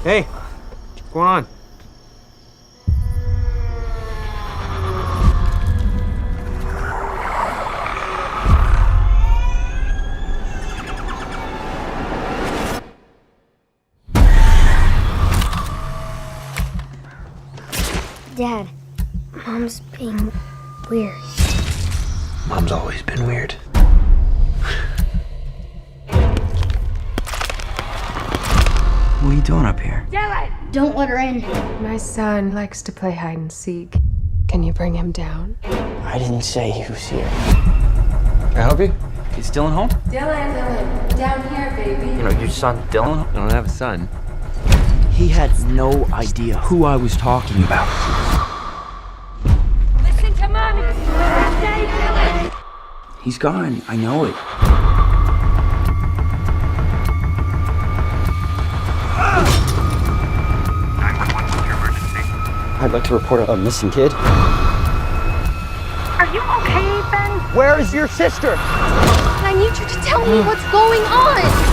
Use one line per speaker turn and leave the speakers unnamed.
Hey, what's going on?
Dad, Mom's being weird.
Mom's always been weird.
What are you doing up here?
Don't let her in.
My son likes to play hide and seek. Can you bring him down?
I didn't say he was here.
Can I help you?
Is Dylan home?
Dylan, down here, baby.
You know, your son Dylan? I don't have a son.
He had no idea who I was talking about.
Listen to mommy. Stay, Dylan.
He's gone. I know it.
I'd like to report a missing kid.
Are you okay, Ben?
Where is your sister?
I need you to tell me what's going on.